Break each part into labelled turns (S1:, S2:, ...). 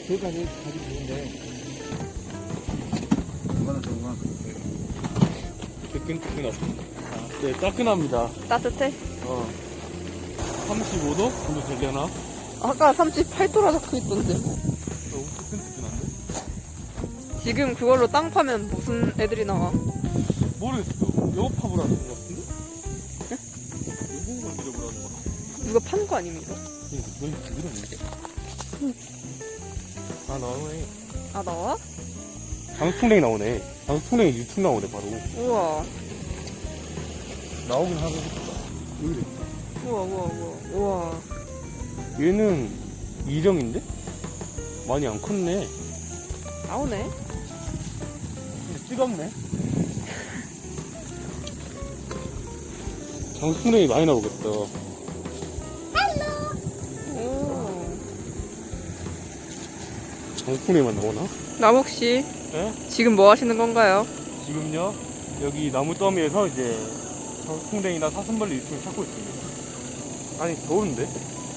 S1: 저기까지 가기 좋은데. 이거는 정말.
S2: 뜨끈뜨끈하다. 네, 따끈합니다.
S3: 따뜻해?
S2: 35도 정도 되려나?
S3: 아까 38도라 적혀있던데.
S2: 너무 뜨끈뜨끈한데?
S3: 지금 그걸로 땅 파면 무슨 애들이 나와?
S2: 모르겠어. 영업합을 하는 것 같은데? 영국을 밀어보라는 것 같아.
S3: 누가 판 거 아닙니까?
S2: 너희 부드럽네. 아, 나오네.
S3: 아, 나와?
S2: 장수풍뎅이 나오네. 장수풍뎅이 유튜브 나오네, 바로.
S3: 우와.
S2: 나오긴 하고 싶다. 여기
S3: 우와, 우와, 우와. 우와.
S2: 얘는 이정인데? 많이 안 컸네.
S3: 나오네.
S2: 근데 뜨겁네. 장수풍뎅이 많이 나오겠다.
S3: 오.
S2: 장수풍뎅이만 나오나?
S3: 나목씨,
S2: 예?
S3: 지금 뭐 하시는 건가요?
S2: 지금요, 여기 나무 더미에서 이제 장수풍뎅이나 사슴벌레 유충을 찾고 있습니다. 아니, 더운데?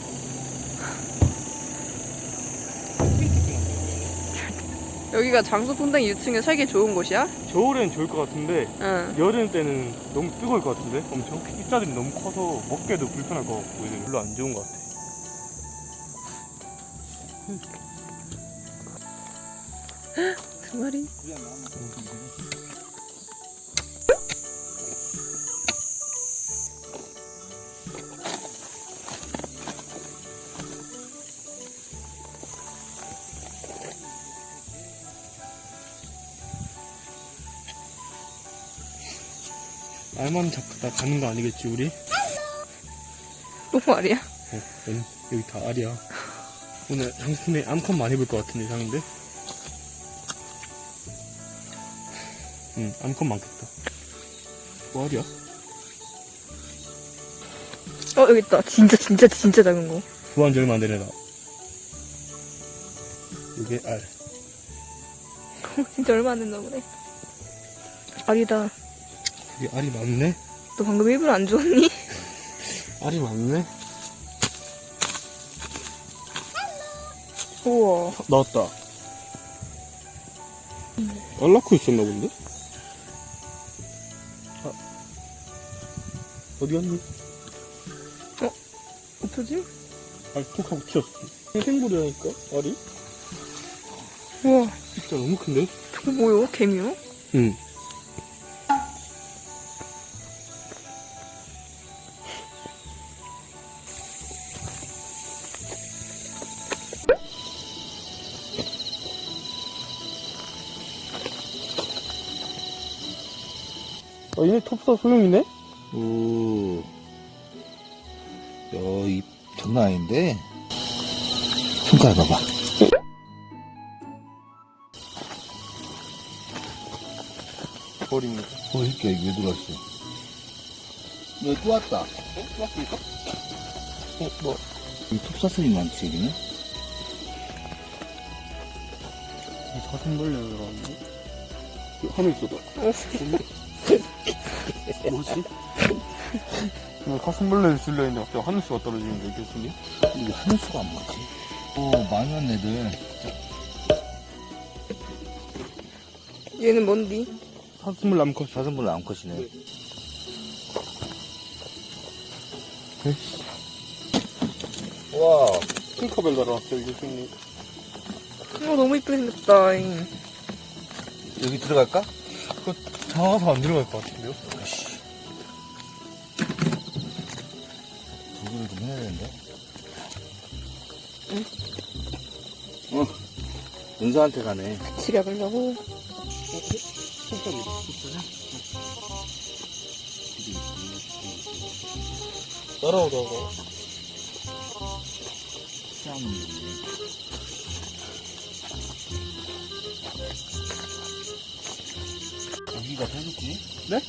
S3: 여기가 장수풍뎅이 유충에 살기 좋은 곳이야?
S2: 겨울엔 좋을 것 같은데,
S3: 응.
S2: 여름 때는 너무 뜨거울 것 같은데? 엄청? 입자들이 너무 커서 먹기도 불편할 것 같고, 이제 별로 안 좋은 것 같아.
S3: 두 마리?
S2: 알만 잡다 가는 거 아니겠지, 우리?
S3: 또 말이야?
S2: 여기 다 알이야. 오늘 장수풍뎅이 암컷 많이 볼 것 같은 예상인데? 응, 암컷 많겠다. 뭐 알이야?
S3: 여기 있다. 진짜 작은 거.
S2: 구한 지 얼마 안 되네, 나. 이게 알.
S3: 진짜 얼마 안 됐나 보네. 알이다.
S2: 이게 알이 많네?
S3: 너 방금 일부러 안 주웠니?
S2: 알이 많네?
S3: 우와.
S2: 나왔다. 알 낳고 있었나 본데? 아, 어디 갔니?
S3: 어쩌지?
S2: 알 톡 하고 튀었어. 생물이라니까, 알이?
S3: 우와.
S2: 진짜 너무 큰데?
S3: 저거 뭐요? 개미요?
S2: 응. 얘네 톱사 소형이네?
S1: 오. 입 장난 아닌데? 손가락 봐봐.
S2: 버립니다.
S1: 이렇게 왜 들어왔어? 또 왔다.
S2: 또 왔습니까? 뭐.
S1: 이 톱사슬이 많지, 여기는?
S2: 이 사슴벌레가 들어왔는데? 하늘 쏟아. 뭐지? 사슴벌레를 쓸려있는데 갑자기 하늘수가 떨어지는데, 교수님?
S1: 이게 하늘수가 안 맞지? 많이 왔네, 애들.
S3: 얘는 뭔디?
S2: 사슴벌레 암컷.
S1: 사슴벌레 암컷이네. 와.
S2: 핑커벨 달아왔어요, 교수님.
S3: 너무 이쁘게 생겼다.
S1: 여기 들어갈까?
S2: 그거 장화서 안 들어갈 것 같은데요?
S1: 도구를 좀 해야 되는데.
S3: 응?
S1: 은서한테 가네.
S3: 같이 가보려고.
S2: 따라오다가.
S1: 고기가 해줬지?
S2: 네?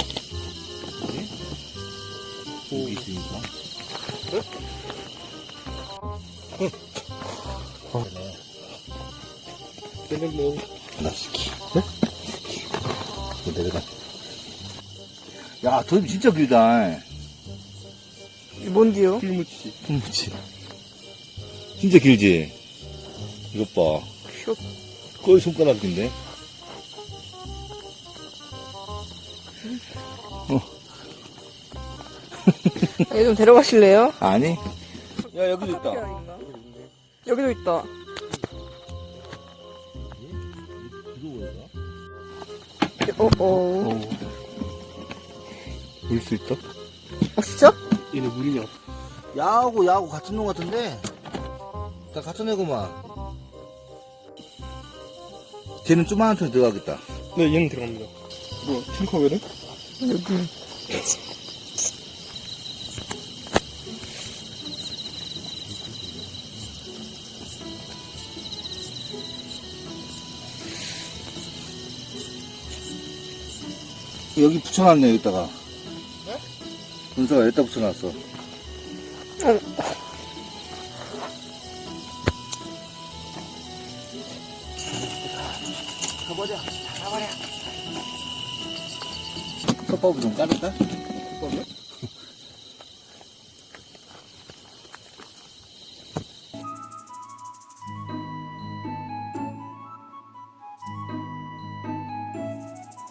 S1: 고기 있으니까.
S2: 네? 얘는 뭐,
S1: 나 시키. 네? 이거 내려가. 야, 저 진짜 길다.
S3: 뭔디요?
S2: 풀무치.
S1: 풀무치. 진짜 길지? 이것 봐.
S3: 슉.
S1: 거의 손가락인데.
S3: 얘 좀 데려가실래요?
S1: 아니. 야, 여기도 있다.
S3: 여기도 있다. 어어.
S1: 물 수 있다?
S3: 진짜?
S2: 얘는 물이냐?
S1: 야하고 같은 놈 같은데? 다 같은 애구만. 걔는 조그마한 톤에 들어가겠다.
S2: 네, 얘는 들어갑니다. 뭐, 팅커벨은?
S3: 여기.
S1: 여기 붙여놨네, 여기다가. 네? 은서가 여기다 붙여놨어. 가버려. 톱밥을 좀 까줄까?